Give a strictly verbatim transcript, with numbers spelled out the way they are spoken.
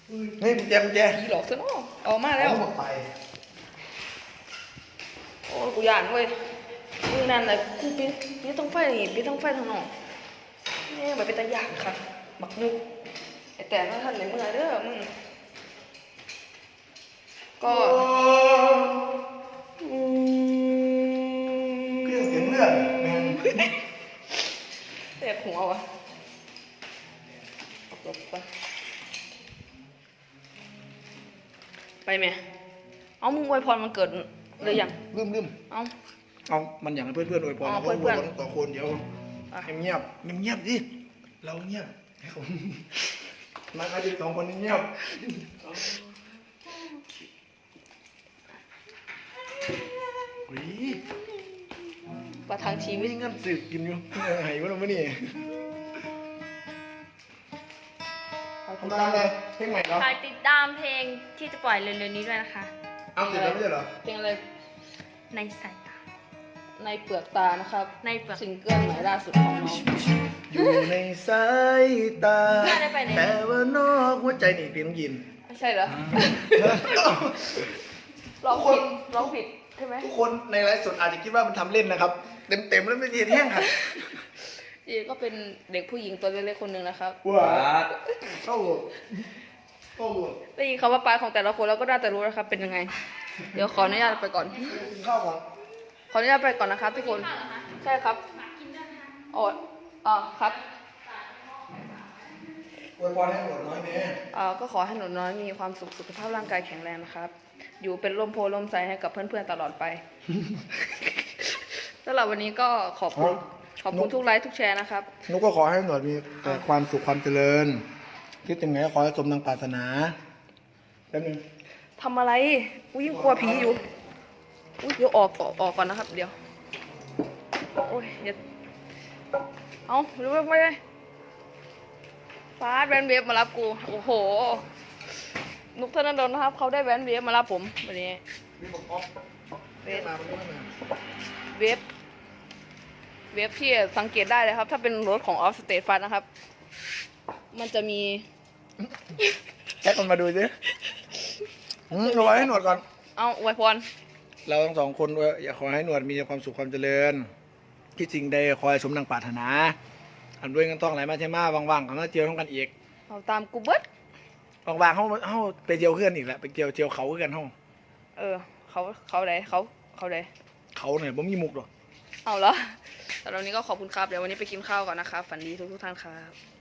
นี่กุญแจกุญแจผีหลอกซะเนาะออกมาแล้วโอ้กูย่านเว้ยมึงนั่นแหละกูปีปีต้องไฟนี่ปีต้องไฟทางนอกนี่แบบเป็นตาย่านค่ะบักนึกไอแต่ถ้าท่านในเมื่อเด้อมึงก็เครื่องเสียงเลือดแมนเจ็บหัววะออกรถไปไปไหมเอามึงอวยพรมันเกิดเลยยังลืมลืมเอาเอามันอย่างเพื่อนเพื่อนอวยพรเพื่อนเพื่อนต่อคนเดี๋ยวเงียบเงียบดิเราเงียบนักอาชีพสองคนเงียบประทังชีวิตเงินสืบกินอยู่หายวะเราไม่นี่ทำอะไรเพลงใหม่เหรอฝากติดตามเพลงที่จะปล่อยเร็วๆนี้ด้วยนะคะเอาเสร็จแล้วไม่ใช่เหรอเพลงอะไรในสายตาในเปลือกตานะครับในเปลือกซิงเกิลใหม่ล่าสุดของน้องอยู่ในสายตาแต่ว่านอกหัวใจนี่พี่ต้องยินไม่ใช่เหรอร้องผิดร้องผิดใช่ไหมทุกคนในไลฟ์สดอาจจะคิดว่ามันทำเล่นนะครับเต็มเต็มแล้วไม่เย็นแห้งค่ะจีก็เป็นเด็กผู้หญิงตัวเล็กๆคนหนึ่งนะครับว้าเข้าหลดเข้าหลดได้ยินคำว่าปลายของแต่ละคนแล้วก็น่าจะรู้นะครับเป็นยังไงเดี๋ยวขออนุญาตไปก่อนข้าวก่อนขออนุญาตไปก่อนนะครับทุกคนใช่ครับอ๋ออ๋อครับอวยพรให้หนูน้อยแม่อ่าก็ขอให้หนูน้อยมีความสุขสุขภาพร่างกายแข็งแรงนะครับอยู่เป็นร่มโพล่มไทรให้กับเพื่อนๆตลอดไปสำหรับวันนี้ก็ขอบคุณขอบคุณทุกไลค์ทุกแชร์นะครับนุกก็ขอให้หนูมีแต่ความสุขความเจริญคิดยังไงก็ขอให้สมดังปรารถนาแป๊บนึงทำอะไรอุ้ยยิ่งกลัวผีอยู่อุ้ยเดี๋ยวออกออกออกก่อนนะครับเดี๋ยวโอ้ยเดี๋ยวเอาหรือว่าไม่ได้ฟ้าแวนเวฟมารับกูโอ้โหนุกธนดลนะครับเขาได้แวนเวฟมารับผมวันนี้เวฟเวฟเวฟที่สังเกตได้เลยครับถ้าเป็นรถของออฟสเตทฟันนะครับมันจะมีแค่คนมาดูสิเราไว้ให้หนวดก่อนเอาอวยพรเราทั้งสองคนอยากขอให้หนวดมีความสุขความเจริญคิดสิ่งใดคอยสมดังปรารถนาทำด้วยกันต้องไหลมาใช่ไหมว่างๆเขาก็เจียวต้องกันอีกเอาตามกูเบิดว่างๆเขาเขาไปเจียวเพื่อนอีกแหละไปเจียวเจียวเขากันห้องเออเขาเขาไหนเขาเขาไหนเขาเนี่ยผมมีมุกหรอเอาเหรอแต่วันนี้ก็ขอบคุณครับเดี๋ยววันนี้ไปกินข้าวก่อนนะครับฝันดีทุกทุกท่านครับ